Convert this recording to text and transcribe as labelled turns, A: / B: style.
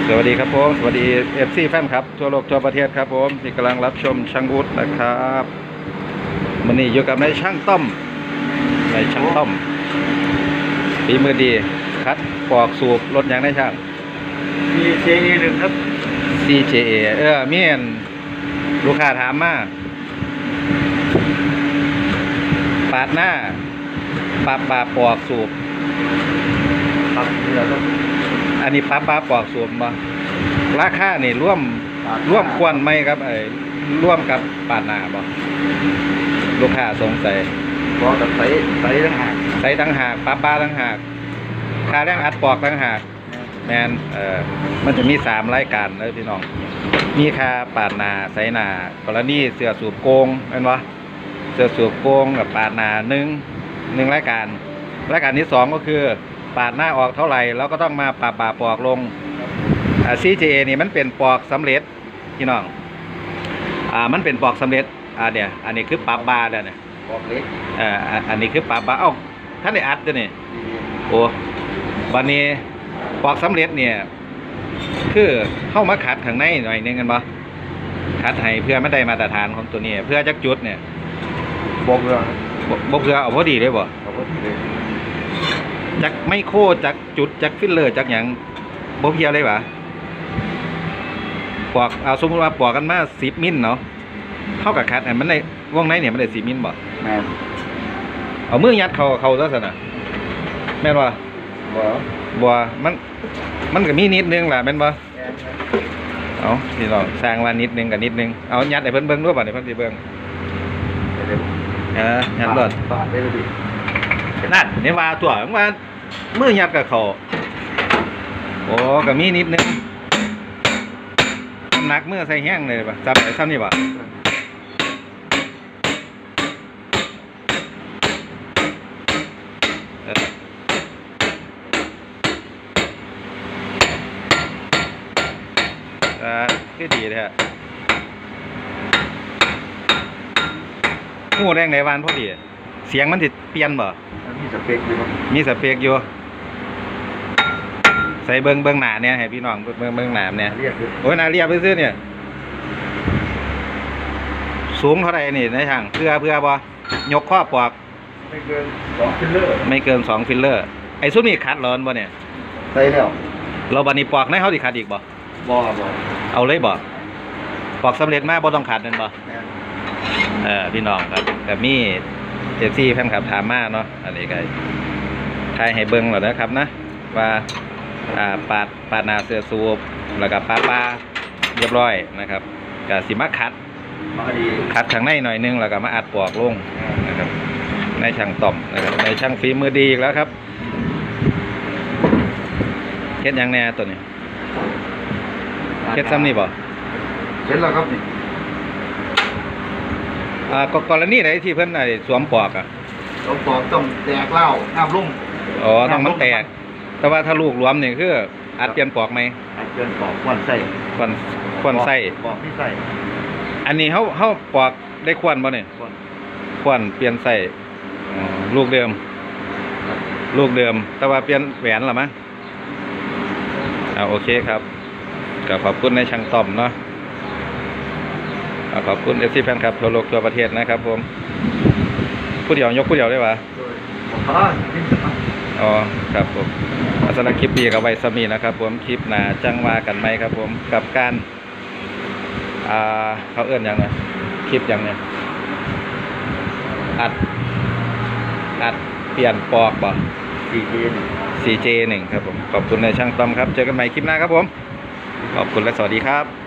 A: สวัสดีครับผมสวัสดีFCแฟนครับทั่วโลกทั่วประเทศครับผมที่กำลังรับชมช่างวุฒินะครับวันนี้อยู่กับนายช่างต้อมฝีมือดีคัดปอกสูบรถยางได้ช่าง
B: CJA1 ครับ
A: CJA เมียนลูกค้าถามมาปาดหน้าปาปอกสูบ
B: ครับนี่แหละครับ
A: อันนี้ปาปอกสูบมาราคานี่ร่วมควนไหมครับร่วมกับปาดหน้าบ่ลูกค้าสงสัย
B: ก็จะใส่ต่างหาก
A: ใส่ตั้งหากปลาตั้งหากค่าแรงอัดปอกตั้งหากแมนมันจะมี3รายการเลยพี่น้องมีค่าปาดหน้าใส่หน้ากรณีเสื้อสูบโกงเห็นปะเสื้อสูบโกงกับปาดหน้าหนึ่งรายการที่2ก็คือปาดหน้าออกเท่าไหร่แล้วก็ต้องมาปาปอกลงCJA นี่มันเป็นปอกสำเร็จพี่น้องมันเป็นปอกสำเร็จเนี่ยอันนี้คือปาบาเนี่ย
B: บอกเล็ก
A: อันนี้คือปาบาท่านได้อัดด้วยนี่โอ้วันนี้ปอกสำเร็จเนี่ยคือเข้ามาขัดข้างในหน่อยนึงกันบ่ขัดให้เพื่อไม่ได้มาตรฐานของตัวนี้เพื่อจักจุดเนี่ย
B: บอกเลย
A: บ่เพื่อเอาพอดีเลยบ่
B: เอาพอดีเลย
A: จักไม่โคจักจุดจักฟิลเลอร์จักหยังบ่เพียเลยบ่ปอกเอาสมมติว่าปอกกันมา10มิลเนาะเท่ากับคัดมันในวงในเนี่ยมันได้10มิลบ่
B: แม่น
A: เอามือยัดเขาซะซั่นน่ะแม่นบ่
B: บ่
A: มันก็มีนิดนึงล่ะแม่นบ่
B: แม่น
A: เอาพี่น้องสร้างว่านิดนึงกับนิดนึงเอายัดให้เพิ่นเบิ่งด้วยบ่ให้เพิ่นสิเบิ่งยัดรถ
B: ปาดได้เลยดิ
A: นั่นนี่ว่าตัวว่ามือยัดกับเขาโอ้ก็มีนิดนึงน้ำหนักมือใส่แห้งเลยป่ะจับไปซ้ำนี่ป่ะคือดีเลยฮะหูแรงในวันพอดีเสียงมันจะเปลี่ยนบ่
B: มีสเปคอยู่ครับ
A: มีสเปกอยู่ใส่เบิ้งหนาเนี่ยให้พี่น้องเบิ้งหนาเนี่ย
B: เรียกคือ
A: โอ้ยนาเรียบซื้อเนี่ยสูงเท่าไหร่นี่ในทางเพื่อบ่ยกข้อปอก
B: ไม่เกิน2ฟิลเลอร์
A: ไม่เกิน2ฟิลเลอร์ไอ้ซุปนี่คัดร้อนบ่เนี่ย
B: ใส่แล้ว
A: เราบัดนี้ปอกในเขาสิคัดอีกบ่
B: บ่
A: เอาเลยบ่ปอกสำเร็จมาบ่ต้องคัดนั่นบ่
B: แม่น
A: พี่น้องครับแบบนี้เจฟซี่แฟนคลับถามมาเนาะอันนี้ก็ทายให้เบิ่งหน่อยนะครับนะว่าปาดหน้าเสื้อสูบแล้วก็ปาเรียบร้อยนะครับก็สิมาคัด
B: มาดี
A: คัดข้างในหน่อยนึงแล้วก็มาอัดปอกลงนะครับในช่างต่อมนะครับในช่างฝีมือดีอีกแล้วครับเฮ็ดยังแน่ตัวนี้เฮ็ดซ้ำนี่บ่
B: เสร็จแล้วครับนี่
A: กรณีไหนที่เพิ่นสวมปอก
B: ต้องแตกเหล้าน้ำลุ่ม
A: อ๋อต้องมันแตกแต่ว่าถ้าลูกรวมนี่คืออัดเปลี่ยนปอกไหม
B: เกินปอกควนไส้
A: ควนไส้
B: ปอกที่ไส้
A: อันนี้เขาปอกได้ควนบ่เนี่ย
B: ควน
A: ควนเปลี่ยนไส้ลูกเดิม แต่ว่าเปลี่ยนแหวนหรอมั้งโอเคครับก็ขอบคุณในช่างต้อมเนาะขอบคุณFCแฟนครับทั่วโลกทั่วประเทศนะครับผมผู้เดียวยกผู้เดียวได้ปะอ๋อครับผมสำหรับคลิปนี้กับไว้สมีนะครับผมคลิปหน้าจังว่ากันไหมครับผมกับการเขาเอื้อนยังไงคลิปยังไงอัดเปลี่ยนปอกบ่ CJ1 ครับผมขอบคุณในช่างต้อมครับเจอกันใหม่คลิปหน้าครับผมขอบคุณและสวัสดีครับ